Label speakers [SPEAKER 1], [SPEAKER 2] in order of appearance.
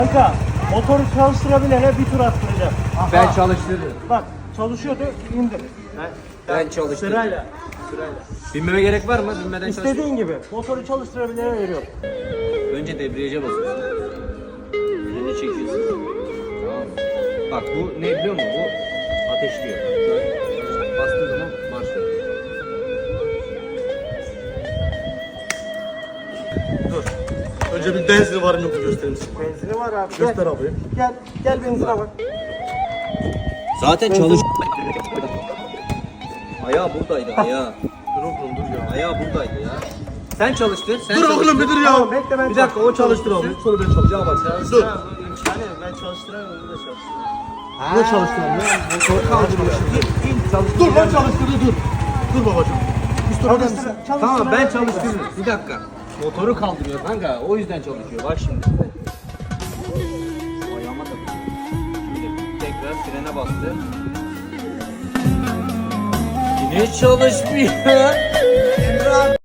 [SPEAKER 1] Kanka motoru çalıştırabilene bir tur attıracağım.
[SPEAKER 2] Ben çalıştırırım.
[SPEAKER 1] Bak çalışıyordu indir.
[SPEAKER 2] Ben çalıştırırım.
[SPEAKER 1] Sırayla.
[SPEAKER 2] Binmeme gerek var mı? Binmeden çalıştırırım.
[SPEAKER 1] İstediğin gibi. Motoru çalıştırabilene veriyorum.
[SPEAKER 2] Önce debriyaja basıyorsun. Freni çekiyorsun. Tamam mı? Bak bu ne biliyor musun? Bu ateşliyor. Bastığın zaman başlıyor.
[SPEAKER 3] Dur. Önce bir benzin var mı yok mu göstereyim size.
[SPEAKER 1] Benzini var abi.
[SPEAKER 3] Göster
[SPEAKER 1] Gel.
[SPEAKER 3] abi.
[SPEAKER 1] Gel benzine bak.
[SPEAKER 2] Zaten çalış. Ayağı buradaydı ayağı.
[SPEAKER 3] Dur oğlum dur ya.
[SPEAKER 2] Ayağı buradaydı ya. Sen çalıştır. Sen
[SPEAKER 3] Dur
[SPEAKER 2] çalıştır.
[SPEAKER 3] oğlum bir dur ya.
[SPEAKER 1] Tamam, bekle ben
[SPEAKER 3] Bir dakika o çalıştır abi. Sonra ben çalışacağım. Bak dur.
[SPEAKER 1] İmkanı yok. Ben çalıştıramıyorum. Onu da çalıştıramıyorum.
[SPEAKER 3] Ne çalıştıralım ya? Motoru kaldırıyor.
[SPEAKER 2] Çalıştır.
[SPEAKER 3] Dur ben çalıştırdı dur. Dur babacığım.
[SPEAKER 2] Tamam ben çalıştırırım. Bir dakika. Motoru kaldırıyor kanka. O yüzden çalışıyor. Bak şimdi. Ayağıma da. Şimdi tekrar frene bastı. Yine çalışmıyor.